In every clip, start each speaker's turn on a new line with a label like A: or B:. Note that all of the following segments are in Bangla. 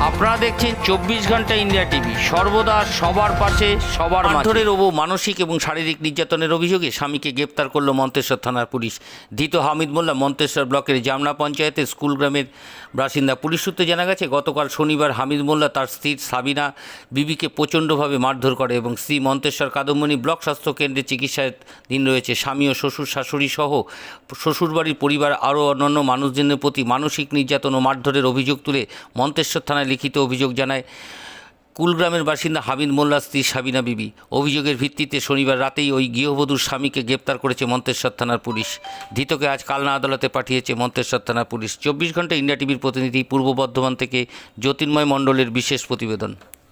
A: আপনারা দেখছেন 24 ঘন্টা ইন্ডিয়া টিভি, সর্বদা সবার পাশে সবার মাঝে। মানসিক এবং শারীরিক নির্যাতনের অভিযোগে স্বামীকে গ্রেপ্তার করল মন্তেশ্বর থানার পুলিশ। ধৃত হামিদ মোল্লা মন্তেশ্বর ব্লকের জামনা পঞ্চায়েতের স্কুল গ্রামের বাসিন্দা। পুলিশ সূত্রে জানা গেছে, গতকাল শনিবার হামিদ মোল্লা তার স্ত্রী সাবিনা বিবিকে প্রচণ্ডভাবে মারধর করে এবং স্ত্রী মন্তেশ্বর কাদম্বনী ব্লক স্বাস্থ্য কেন্দ্রে চিকিৎসাধীন রয়েছে। স্বামী ও শ্বশুর শাশুড়ি সহ শ্বশুরবাড়ির পরিবার আরও অন্যান্য মানুষজনের প্রতি মানসিক নির্যাতন ও মারধরের অভিযোগ তুলে মন্তেশ্বর থানায় লিখিত অভিযোগ জানায় কুলগ্রামের বাসিন্দা হামিদ মোল্লার স্ত্রী সাবিনা বিবি। অভিযোগের ভিত্তিতে শনিবার রাতেই ওই গৃহবধূর স্বামীকে গ্রেপ্তার করেছে মন্তেশ্বর থানার পুলিশ। ধৃতকে আজ কালনা আদালতে পাঠিয়েছে মন্তেশ্বর থানার পুলিশ। 24 ঘন্টা ইন্ডিয়া টিভির প্রতিনিধি পূর্ব বর্ধমান থেকে জ্যোতির্ময় মণ্ডলের বিশেষ প্রতিবেদন।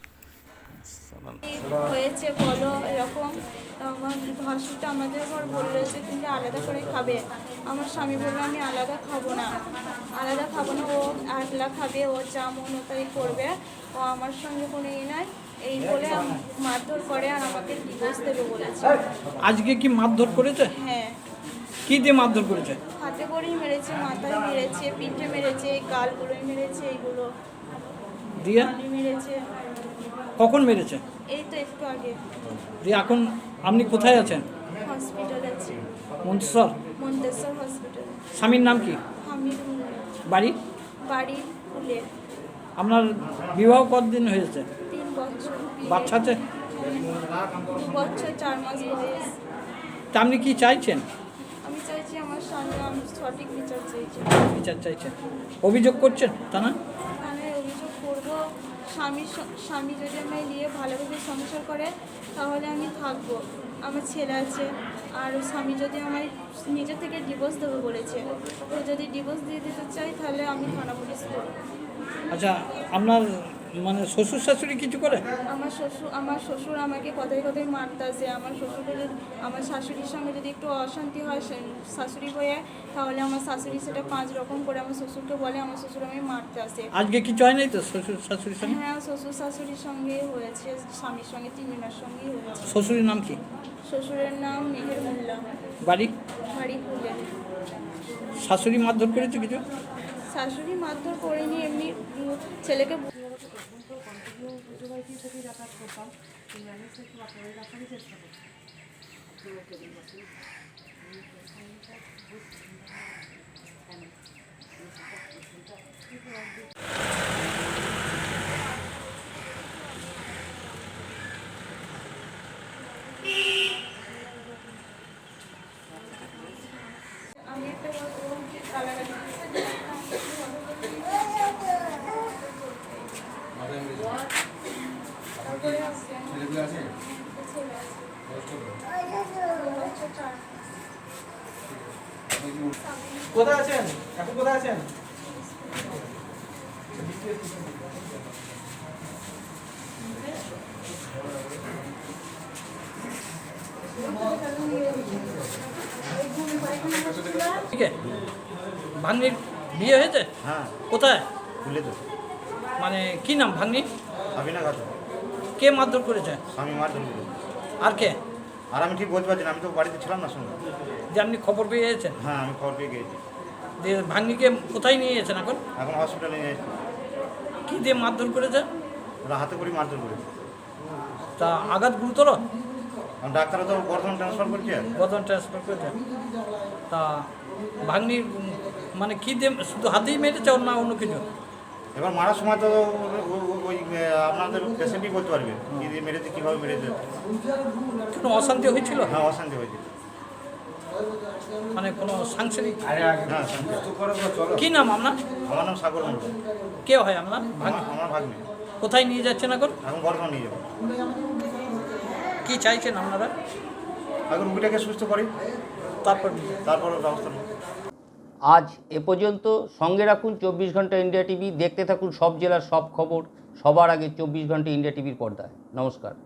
B: হয়েছে বলো এরকম। আমার ভাসুরটা আমাদের ঘর বললো যে তুমি আলাদা করে খাবে। আমার স্বামী বললো আমি আলাদা খাবো না, ও একলা খাবে, ও যা মন ও তাই করবে, ও আমার সঙ্গে কোনো নাই, এই বলে মারধর করে আর আমাকে ডিভোর্স দেবে বলেছে।
C: আজকে কি মারধর করেছে?
B: হ্যাঁ।
C: কি দিয়ে মারধর করেছে?
B: হাতে করেই মেরেছে, মাথায় মেরেছে, পিঠে মেরেছে, গালগুলোই মেরেছে, এইগুলো
C: দিয়ে
B: মেরেছে।
C: কখন মেরেছে?
B: এই তো একটু আগে।
C: দিয়ে এখন আপনি কোথায় আছেন?
B: হসপিটাল আছে,
C: মন্তেশ্বর
B: হসপিটাল।
C: স্বামীর নাম কি?
B: হামিদ
C: বাড়ি
B: ফুলে।
C: আপনার বিবাহ কতদিন হয়েছে?
B: 3 বছর।
C: বাচ্চা আছে?
B: 2 বছর 4 মাস বয়স।
C: তা আপনি কি চাইছেন?
B: আমি চাইছি আমার স্বামী, আমি সঠিক বিচার চাইছি।
C: বিচার চাইছেন? অভিযোগ করছেন তা না?
B: আমি অভিযোগ করবো। স্বামী যদি আমায় নিয়ে ভালোভাবে সংসার করে তাহলে আমি থাকবো। আমার ছেলে আছে, আর স্বামী যদি আমায় নিজে থেকে ডিভোর্স দেবো বলেছে, তো যদি ডিভোর্স দিয়ে দিতে চাই তাহলে আমি থানা পুলিশ করবো।
C: আচ্ছা, আপনার মানে শ্বশুর শাশুড়ি কিছু করে?
B: আমার শ্বশুর আমাকে কথায় কথায় মারতেছে। আমার শাশুড়ির সঙ্গে যদি একটু অশান্তি হয় শাশুড়ি হয়ে, তাহলে আমার শাশুড়ি সেটা 5 রকম করে আমার শ্বশুরকে বলে, আমার শ্বশুর আমি মারতে আসে।
C: আজকে কিছু হয় নাই তো শ্বশুর শাশুড়ির সঙ্গে?
B: হ্যাঁ, শ্বশুর শাশুড়ির সঙ্গে হয়েছে, স্বামীর সঙ্গে, তিনজনের সঙ্গেই হয়েছে।
C: শ্বশুরের নাম কি?
B: শ্বশুরের নাম মেহের মোল্লা,
C: বাড়ি
B: ফুলে।
C: শাশুড়ি মারধর করেছে কিছু?
B: শাশুড়ি মারধর করেনি, এমনি ছেলেকে আমি একটা কালাকাটি
D: কোথায় আছেন? এখন কোথায় আছেন?
C: ঠিক আছে। ভাগ্নির বিয়ে হয়েছে?
E: হ্যাঁ,
C: কোথায়?
E: খুলে তো
C: মানে কি নাম ভাগ্নি?
E: সাবিনা খাতুন।
C: কে মারধর করেছে?
E: স্বামী মার ধরে।
C: আর কে?
E: আর আমি ঠিক বলতে পারছি না, আমি তো বাড়িতে ছিলাম না সঙ্গে।
C: যে আপনি খবর পেয়ে গেছেন?
E: হ্যাঁ, আমি খবর পেয়ে গিয়েছি।
C: দিয়ে ভাগ্নিকে কোথায় নিয়ে গেছেন এখন?
E: এখন হসপিটালে নিয়ে এসেছি।
C: কি দিয়ে মারধর করেছে?
E: ওরা হাতে করে মারধর করেছে।
C: তা আঘাত গুরুতর?
E: কারণ ডাক্তাররা তো বর্ধমান ট্রান্সফার করছে।
C: বদন ট্রান্সফার করেছে। তা ভাগ্নির মানে কি দিয়ে, শুধু হাতেই মেরেছে না অন্য কিছু?
E: এবার মারার সময় তো ওই আপনাদের পেশেন্টই বলতে পারবে কি দিয়ে মেরেছে, কীভাবে মেরেছে।
C: কোনো অশান্তি হয়েছিল?
E: হ্যাঁ, অশান্তি হয়েছে।
C: মানে কোনো সাংসারিক?
E: হ্যাঁ, শান্তি।
C: কি নাম আপনার?
E: আমার নাম সাগর মন্ডল।
C: কে হয় আপনার?
E: আমার ভাগ্নে।
C: কোথায় নিয়ে যাচ্ছেন এখন?
E: এখন বর্ধমান নিয়ে যাবো।
C: কি চাইছেন আপনারা?
E: এখন রুগীটাকে সুস্থ করি,
C: তারপর
E: তারপর ব্যবস্থা নেব।
A: আজ এ পর্যন্ত। সঙ্গে রাখুন 24 ঘন্টা ইন্ডিয়া টিভি। দেখতে থাকুন সব জেলার সব খবর সবার আগে 24 ঘন্টা ইন্ডিয়া টিভির পর্দায়। নমস্কার।